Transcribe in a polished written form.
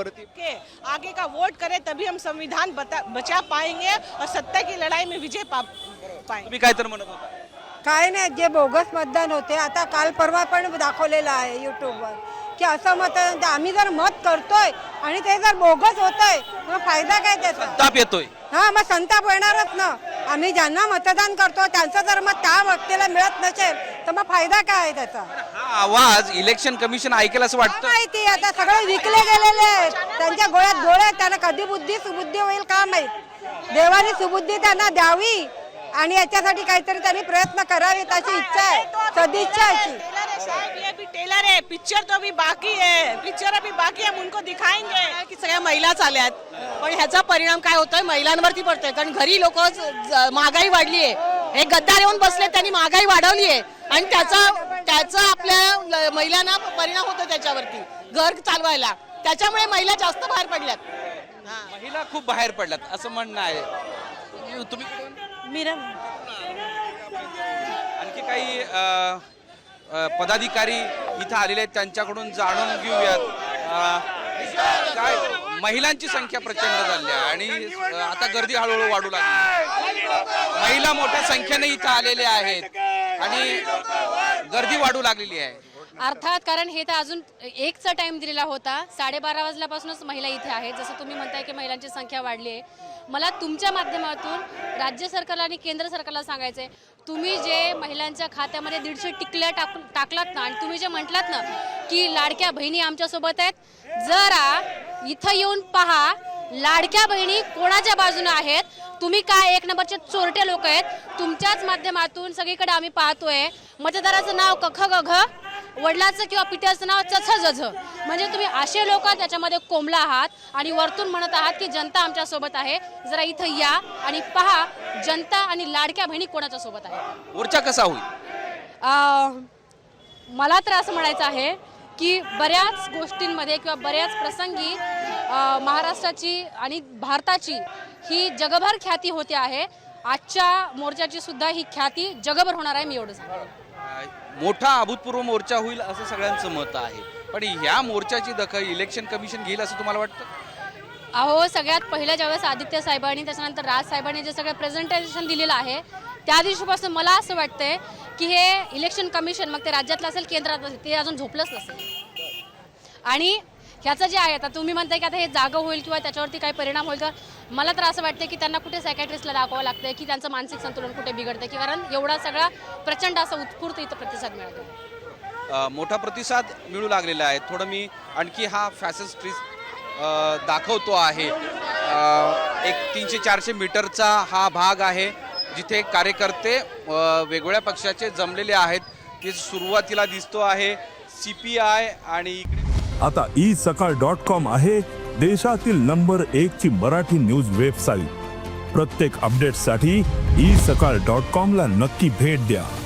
मुद्द्यावरती के आगे का वोट करें तभी हम संविधान बचा पाएंगे और सत्ता की लड़ाई में विजय पाएंगे। तुम्ही काय तर म्हणत होता? काय नाही, जे बोगस मतदान होते आता काल परवा पण दाखवलेलं आहे यूट्यूबवर की असं मतदान आम्ही जर मत करतोय आणि ते जर बोगस होतंय मग फायदा काय त्याचा? ताप येतोय. हा, मग संताप येणारच ना. आम्ही ज्यांना मतदान करतो त्यांचं जर मत त्या व्यक्तीला मिळत नसेल तर मग फायदा काय आहे त्याचा? हा आवाज इलेक्शन कमिशन ऐकेल असं काय वाटतं? माहिती, आता सगळे विकले गेलेले आहेत. त्यांच्या गोळ्यात गोळे आहेत. त्यांना कधी बुद्धी सुबुद्धी होईल का माहित. देवाने सुबुद्धी त्यांना द्यावी आणि याच्यासाठी काहीतरी त्यांनी प्रयत्न करावेत अशी इच्छा आहे, सदिच्छा आहे. ये भी टेलर है, पिक्चर तो अभी बाकी है, पिक्चर अभी बाकी है, हम उनको दिखाएंगे की सगळ्या महिलाच आल्यात. पण ह्याचा परिणाम काय होतोय, महिलांवरती पडतोय. कारण घरी लोक महागाई वाढली आहे. हे गद्दार येऊन बसले, त्यांनी महागाई वाढवली आहे आणि त्याचा आपल्या महिलांना परिणाम होतो त्याच्यावरती घर चालवायला. त्याच्यामुळे महिला जास्त बाहेर पडल्यात. महिला खूप बाहेर पडल्यात असं म्हणणं आहे. तुम्ही कुठून? मीरा आणखी काही पदाधिकारी इथं आलेले आहेत, त्यांच्याकडून जाणून घेऊयात. काय महिलांची संख्या प्रचंड झाली आहे आणि आता गर्दी हळूहळू वाढू लागली. महिला मोठ्या संख्येने इथं आलेल्या आहेत आणि गर्दी वाढू लागलेली आहे. अर्थात, कारण हे तर अजून 1चा टाइम दिलेला होता. 12:30 वाजल्यापासूनच महिला इथे आहेत. जसं तुम्ही म्हणताय की महिलांची संख्या वाढली आहे. मला तुमच्या माध्यमातून राज्य सरकारला आणि केंद्र सरकारला सांगायचंय, तुम्ही जे महिलांच्या खात्यामध्ये 150 टिकल्या टाकलात ना आणि तुम्ही जे म्हटलात ना की लाडक्या बहिणी आमच्यासोबत आहेत, जरा इथं येऊन पहा लाडक्या बहिणी कोणाच्या बाजूने आहेत. तुम्ही काय एक नंबरचे चोरटे लोक आहेत. तुमच्याच माध्यमातून सगळीकडे आम्ही पाहतोय मतदाराचं नाव कख गघ, वडिलाचं किंवा पित्याचं नाव चछ जझ. म्हणजे तुम्ही असे लोक त्याच्यामध्ये कोंबला आहात आणि वरतून म्हणत आहात की जनता आमच्या सोबत आहे. जरा इथं या आणि पहा जनता आणि लाडक्या बहिणी कोणाच्या सोबत आहेत. मोर्चा कसा होईल? मला तर असं म्हणायचं आहे की बऱ्याच गोष्टींमध्ये किंवा बऱ्याच प्रसंगी महाराष्ट्राची आणि भारताची ही जगभर ख्याती होते आहे. आजच्या मोर्चाची सुद्धा ही ख्याती जगभर होणार आहे. मी एवढं सांगेन. मोठा अभूतपूर्व मोर्चा होईल असं सगळ्यांचं मत आहे. पण ह्या मोर्चाची दखल इलेक्शन कमिशन घेईल असं तुम्हाला वाटतं? अहो, सगळ्यात पहिल्या ज्यावेळेस आदित्य साहेबांनी त्याच्यानंतर राज साहेबांनी जे सगळं प्रेझेंटेशन दिलेलं आहे त्या दिवशीपासून मला असं वाटतंय की हे इलेक्शन कमिशन, मग ते राज्यातलं असेल केंद्रात असेल, ते अजून झोपलंच नसेल. आणि ह्याचं जे आहे, आता तुम्ही म्हणताय की आता हे जागं होईल किंवा त्याच्यावरती काही परिणाम होईल का, मला तर असं वाटतं की त्यांना कुठे सायकॅट्रिस्टला दाखवावं लागतंय की त्यांचं मानसिक संतुलन कुठे बिघडतं, की कारण एवढा सगळा प्रचंड असा उत्स्फूर्त इथं प्रतिसाद मिळतो. मोठा प्रतिसाद मिळू लागलेला आहे. थोडं मी आणखी हा फॅशन स्ट्रीट दाखवतो आहे. एक 300-400 मीटरचा हा भाग आहे जिथे कार्यकर्ते वेगवेगळ्या पक्षाचे जमलेले आहेत. ते सुरुवातीला दिसतो आहे CPI आणि इकडे आता isakal.com आहे देशातील नंबर 1 ची मराठी न्यूज वेबसाईट. प्रत्येक अपडेटसाठी isakal.com ला नक्की भेट द्या.